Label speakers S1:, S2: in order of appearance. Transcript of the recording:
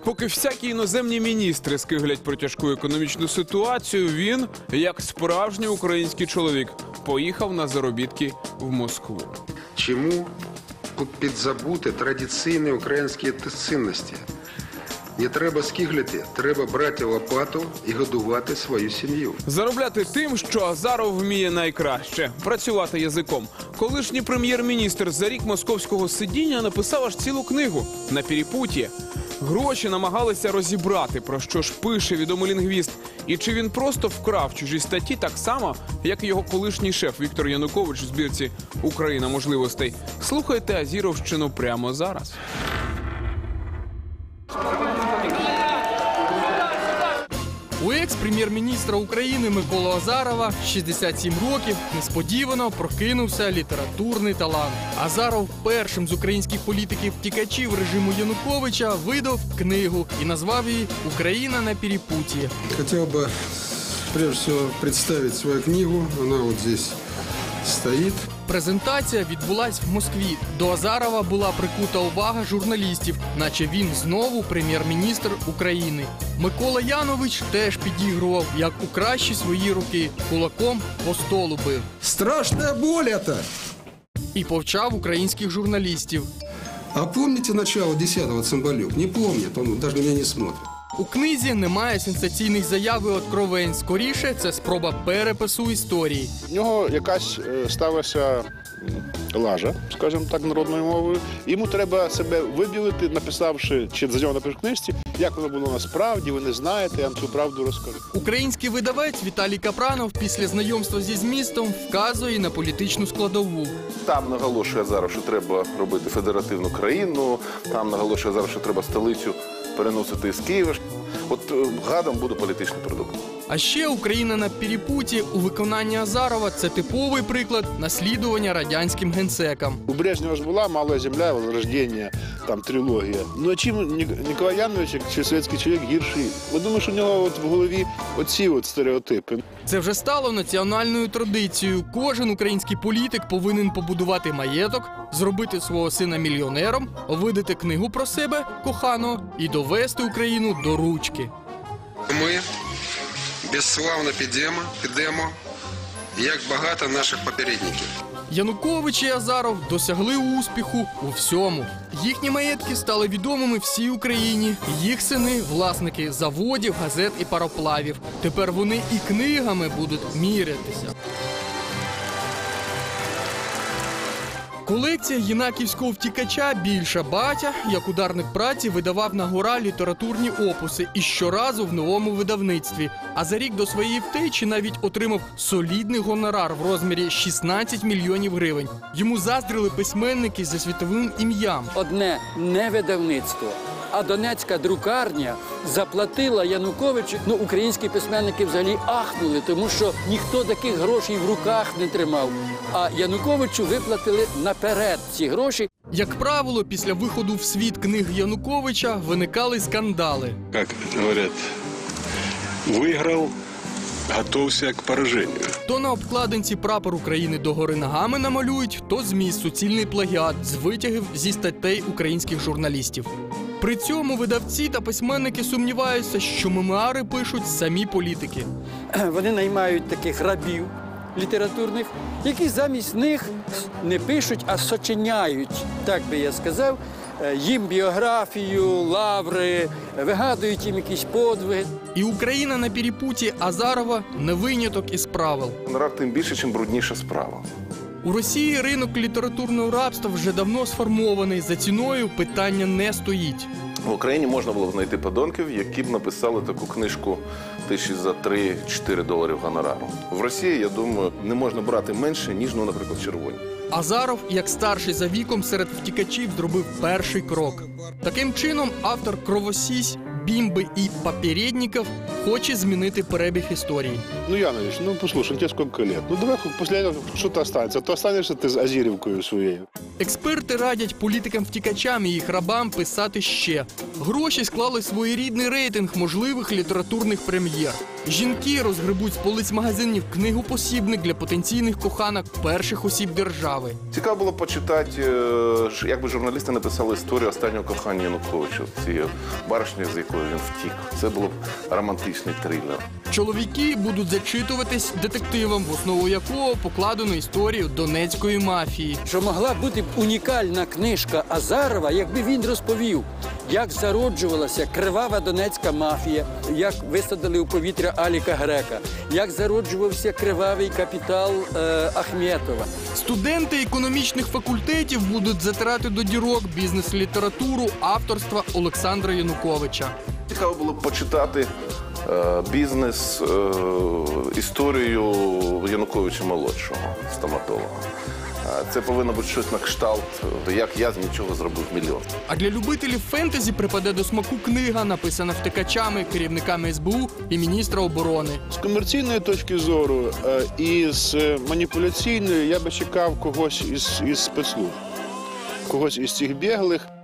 S1: Поки всякі іноземні міністри скиглять про тяжку економічну ситуацію, він, як справжній український чоловік, поїхав на заробітки в Москву.
S2: Чому підзабути традиційні українські цінності? Не треба скиглити, треба брати лопату і годувати свою сім'ю.
S1: Заробляти тим, що Азаров вміє найкраще – працювати язиком. Колишній прем'єр-міністр за рік московського сидіння написав аж цілу книгу «На перепутье». Гроші намагалися розібрати, про що ж пише відомий лінгвіст. І чи він просто вкрав чужі статті так само, як і його колишній шеф Віктор Янукович у збірці «Україна можливостей». Слухайте Азіровщину прямо зараз.
S3: У екс-прем'єр-міністра України Миколи Азарова 67 років несподівано прокинувся літературний талант. Азаров першим з українських політиків-втікачів режиму Януковича видав книгу і назвав її «Україна на перепутье».
S2: Хотів би, прежде всего, представити свою книгу. Вона от здесь стоїть.
S3: Презентація відбулась в Москві. До Азарова була прикута увага журналістів, наче він знову прем'єр-міністр України. Микола Янович теж підігрував, як у кращі свої роки, кулаком по столу бив.
S2: Страшна боль это!
S3: І повчав українських журналістів.
S2: А помните начало 10-го Цимбалюк? Не помнит, он даже на меня не смотрит.
S3: У книзі немає сенсаційних заяв і откровень. Скоріше, це спроба перепису історії.
S4: В нього якась сталася лажа, скажімо так, народною мовою. Йому треба себе вибілити, написавши, чи за нього напишу в книжці, як воно було насправді, ви не знаєте, я вам цю правду розкажу.
S3: Український видавець Віталій Капранов після знайомства зі змістом вказує на політичну складову.
S5: Там наголошує зараз, що треба робити федеративну країну, там наголошує зараз, що треба столицю переносити з Києва. От гадом буде політичний продукт.
S3: А ще «Україна на перепутье» у виконанні Азарова – це типовий приклад наслідування радянським генсекам.
S4: У Брежнева ж була «Малая земля», «Возрождение», там трилогія. Ну а чим Ніколай Янович, чи совєтський чоловік, гірший? Я думаю, що у нього от в голові оці от стереотипи.
S3: Це вже стало національною традицією. Кожен український політик повинен побудувати маєток, зробити свого сина мільйонером, видати книгу про себе, коханого, і довести Україну до ручки.
S2: Ми безславно підемо, як багато наших попередників.
S3: Янукович і Азаров досягли успіху у всьому. Їхні маєтки стали відомими всій Україні. Їх сини – власники заводів, газет і пароплавів. Тепер вони і книгами будуть мірятися. Колекція єнаківського втікача більша. Батя, як ударник праці, видавав на гора літературні опуси і щоразу в новому видавництві. А за рік до своєї втечі навіть отримав солідний гонорар в розмірі 16 мільйонів гривень. Йому заздрили письменники за світовим ім'ям.
S6: Одне не видавництво, а Донецька друкарня заплатила Януковичу. Ну, українські письменники взагалі ахнули, тому що ніхто таких грошей в руках не тримав. А Януковичу виплатили наперед ці гроші.
S3: Як правило, після виходу в світ книг Януковича виникали скандали.
S7: Як говорять, виграв, готовся к пораженню.
S3: То на обкладинці прапор України догори ногами намалюють, то зміст суцільний плагіат з витягів зі статей українських журналістів. При цьому видавці та письменники сумніваються, що мемуари пишуть самі політики.
S6: Вони наймають таких рабів літературних, які замість них не пишуть, а сочиняють, так би я сказав, їм біографію, лаври, вигадують їм якісь подвиги.
S3: І «Україна на перепутье» Азарова не виняток із правил.
S5: Гонорар тим більше, чим брудніша справа.
S3: У Росії ринок літературного рабства вже давно сформований. За ціною питання не стоїть.
S5: В Україні можна було б знайти подонків, які б написали таку книжку тисячі за 3-4 доларів гонорару. В Росії, я думаю, не можна брати менше, ніж, наприклад, червоні.
S3: Азаров, як старший за віком серед втікачів, зробив перший крок. Таким чином, автор «Кровосісь», «Бімби» і «Попередників» хоче змінити перебіг історії.
S4: Ну, Янович, послушай, тебе сколько лет? Ну, давай після цього що-то останеться. То останешся ти з Азірівкою своєю.
S3: Експерти радять політикам-втікачам і їх рабам писати ще. Гроші склали своєрідний рейтинг можливих літературних прем'єр. Жінки розгребуть з полиць магазинів книгу-посібник для потенційних коханок перших осіб держави.
S5: Цікаво було почитати, як би журналісти написали історію останнього кохання Януковича, цієї баришні, з якої він втік. Це було б романтичний трилер.
S3: Чоловіки будуть зачитуватись детективом, в основу якого покладено історію донецької мафії.
S6: Що могла бути б унікальна книжка Азарова, якби він розповів, як зароджувалася кривава донецька мафія, як висадили у повітря Аліка Грека, як зароджувався кривавий капітал Ахметова.
S3: Студенти економічних факультетів будуть затирати до дірок бізнес-літературу авторства Олександра Януковича.
S5: Цікаво було б почитати бізнес, історію Януковича-молодшого, стоматолога. Це повинно бути щось на кшталт, як я з нічого зробив мільйон.
S3: А для любителів фентезі припаде до смаку книга, написана втекачами, керівниками СБУ і міністра оборони.
S4: З комерційної точки зору і з маніпуляційної я би чекав когось із спецслужб, когось із цих біглих.